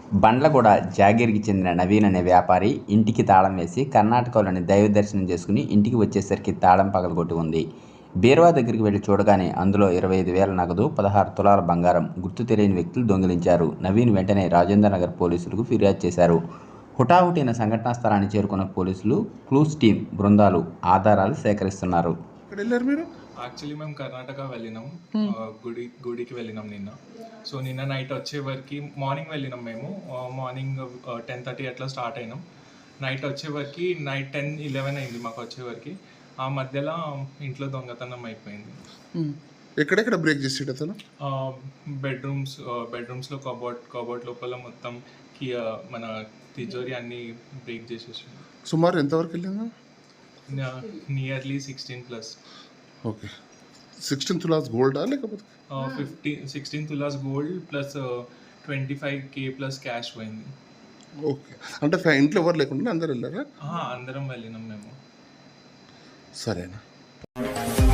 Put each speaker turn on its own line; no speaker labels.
బండ్లగూడ జాగీర్కి చెందిన నవీన్ అనే వ్యాపారి ఇంటికి తాళం వేసి కర్ణాటకలోని దైవ దర్శనం చేసుకుని ఇంటికి వచ్చేసరికి తాళం పగలగొట్టి ఉంది. బీరువా దగ్గరికి వెళ్లి చూడగానే అందులో 25,000 నగదు, 16 తులాల బంగారం గుర్తు తెలియని వ్యక్తులు దొంగిలించారు. నవీన్ వెంటనే రాజేంద్ర నగర్ పోలీసులకు ఫిర్యాదు చేశారు. హుటాహుటిన సంఘటనా స్థలానికి చేరుకున్న పోలీసులు, క్లూస్ టీం బృందాలు ఆధారాలు సేకరిస్తున్నారు.
యాక్చువల్లీ మేము కర్ణాటక వెళ్ళినాం, గుడికి వెళ్ళినాం నిన్న. సో నిన్న నైట్ వచ్చే వరకు మార్నింగ్ వెళ్ళినాం మేము. మార్నింగ్ 10:30 అట్లా స్టార్ట్ అయినాం. నైట్ వచ్చే వరకు నైట్ 10-11 అయింది మాకు వచ్చే వరకు. ఆ మధ్యలో ఇంట్లో దొంగతనం అయిపోయింది.
ఎక్కడెక్కడ బ్రేక్ చేసాడు అతను?
బెడ్రూమ్స్లో కబోర్డ్ లోపల మొత్తం మన తిజోరి అన్ని బ్రేక్ చేసేసాడు.
సుమారు ఎంతవరకు వెళ్ళిందా?
నియర్లీ 16+.
ఓకే. 16 తులాస్ గోల్డా లేకపోతే
16 తులాస్ gold plus 25K plus cash పోయింది.
ఓకే. అంటే ఇంట్లో ఎవరు లేకుండా అందరు వెళ్ళారా?
అందరం వెళ్ళినాం మేము.
సరేనా.